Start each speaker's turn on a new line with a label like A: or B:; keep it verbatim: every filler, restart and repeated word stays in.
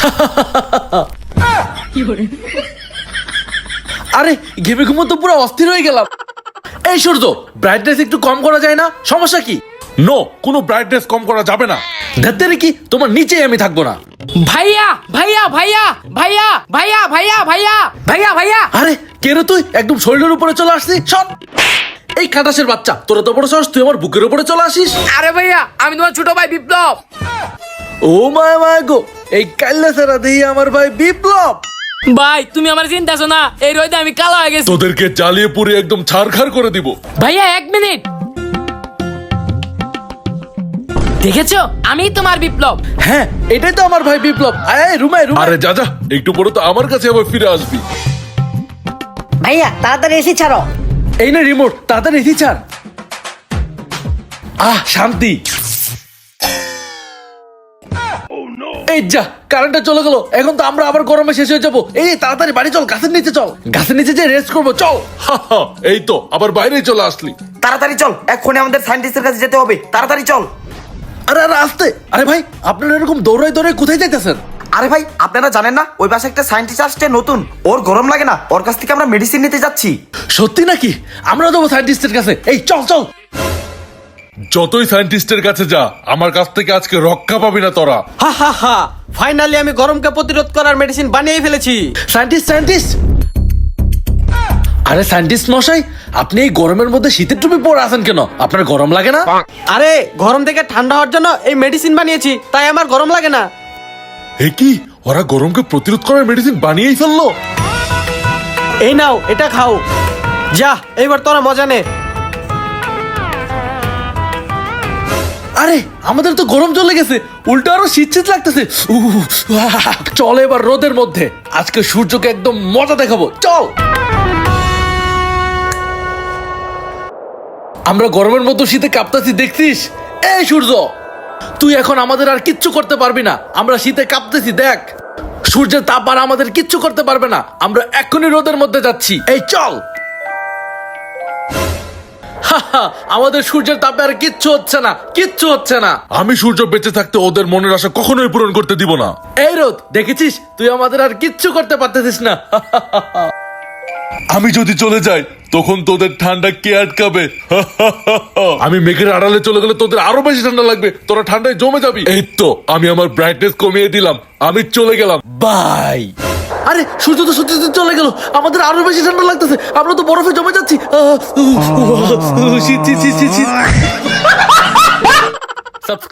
A: আরে ঘেমে ঘুমো তো পুরো অস্থির হয়ে গেলাম। এই সূর্য, ব্রাইটনেস একটু কম করা যায় না? সমস্যা কি?
B: নো, কোনো ব্রাইটনেস কম করা যাবে না।
A: ধাত্তেরে কি, তোমার নিচেই আমি থাকবো না।
C: ভাইয়া ভাইয়া ভাইয়া ভাইয়া ভাইয়া ভাইয়া ভাইয়া ভাইয়া ভাইয়া
A: আরে কে রে তুই? একদম শরীরের উপরে চলে আসছিস। সব এই খাটাসের বাচ্চা, তোরা তো বড় সাহস, তুই আমার বুকের উপরে চলে আসিস।
C: আরে ভাইয়া, আমি তোমার ছোট ভাই বিপ্লব।
A: ও মায় মায় গো, এই কাল্লা সারা দেই আমার ভাই বিপ্লব।
C: ভাই তুমি আমার চিন্তাছো না, এই রোদে আমি কালো হয়ে গেছি।
B: তোদেরকে জ্বালিয়ে পুড়ে একদম ছারখার করে দিব।
C: ভাইয়া এক মিনিট, দেখেছো আমি তোমার বিপ্লব।
A: হ্যাঁ, এটাই তো আমার ভাই বিপ্লব। আয় আয়, রুমায় রুমায়।
B: আরে যা যা, একটু পরে তো আমার কাছে আবার ফিরে আসবি।
D: ভাইয়া তাড়াতাড়ি এসি ছাড়ো।
A: এই না রিমোট, তাড়াতাড়ি এসি ছাড়। আহ শান্তি। এই যা, কারেন্টটা চলে গেল। এখন তো আমরা আবার গরমে শেষ হয়ে যাবো। এই তাড়াতাড়ি বাড়ি চল, গাছের নিচে চল। গাছের নিচে যে রেস্ট করবো, চল।
B: হা হা, এই তো আবার বাইরে চলে আসলি।
E: তাড়াতাড়ি চল, এক্ষুনি আমাদের সায়েন্টিস্টের কাছে যেতে হবে, তাড়াতাড়ি চল।
A: আরে আরে আসতে। আরে ভাই, আপনারা এরকম দৌড়াই দৌড়াই কোথায় যাইতেছেন?
E: আরে ভাই, আপনারা জানেন না ওই পাশে একটা সায়েন্টিস্ট আসছে নতুন, ওর গরম লাগে না, ওর কাছ থেকে আমরা মেডিসিন নিতে যাচ্ছি।
A: সত্যি নাকি? আমরা যাবো সায়েন্টিস্টের কাছে। এই চল চল।
B: যতই সায়েন্টিস্টের কাছে যা, আমার কাছ থেকে আজকে রক্ষা পাবি না তোরা।
F: হা হা হা, ফাইনালি আমি গরমকে প্রতিরোধ করার মেডিসিন বানিয়ে ফেলেছি।
A: সায়েন্টিস্ট সায়েন্টিস্ট আরে সায়েন্টিস্ট মশাই, আপনি এই গরমের মধ্যে শীতের টুপি পরে আছেন কেন? আপনার গরম লাগে না?
F: আরে গরম থেকে ঠান্ডা হওয়ার জন্য এই মেডিসিন বানিয়েছি, তাই আমার গরম লাগে না।
B: এ কি, ওরা গরমকে প্রতিরোধ করার মেডিসিন বানিয়েই ফেললো?
F: এই নাও, এটা খাও। যা, এইবার তোরা মজা নে।
A: আরে আমাদের তো গরম চলে গেছে, উল্টো আরো শীত শীত লাগতেছে। উহ, আহ, চল এবার রোদের মধ্যে, আজকে সূর্যকে একদম মজা দেখাবো। চল। আমরা গরমের মতো শীতে কাঁপতাছি, দেখছিস? এই সূর্য, তুই এখন আমাদের আর কিচ্ছু করতে পারবি না। আমরা শীতে কাঁপতেছি, দেখ। সূর্যের তাপ আর আমাদের কিচ্ছু করতে পারবে না। আমরা এখনই রোদের মধ্যে যাচ্ছি। এই চল। হাহা, আমাদের সূর্যের তাপে আর কিচ্ছু হচ্ছে না, কিচ্ছু হচ্ছে না।
B: আমি সূর্য বেঁচে থাকতে ওদের মনের আশা কখনোই পূরণ করতে দিব না।
A: এই রোদ, দেখেছিস? তুই আমাদের আর কিচ্ছু করতে পারতেছিস না।
B: আমি যদি চলে যাই, তখন তোদের ঠান্ডা কে আটকাবে? আমি মেঘের আড়ালে চলে গেলে তোদের আরো বেশি ঠান্ডা লাগবে, তোরা ঠান্ডায় জমে যাবি। এই তো আমি আমার ব্রাইটনেস কমিয়ে দিলাম, আমি চলে গেলাম, বাই।
A: আরে সূর্য তো সত্যি সত্যি চলে গেল, আমাদের আরো বেশি ঠান্ডা লাগতেছে। আমরা তো বরফে জমে যাচ্ছি। আহ, উহ, উহ, উহ, শীত শীত শীত শীত শীত।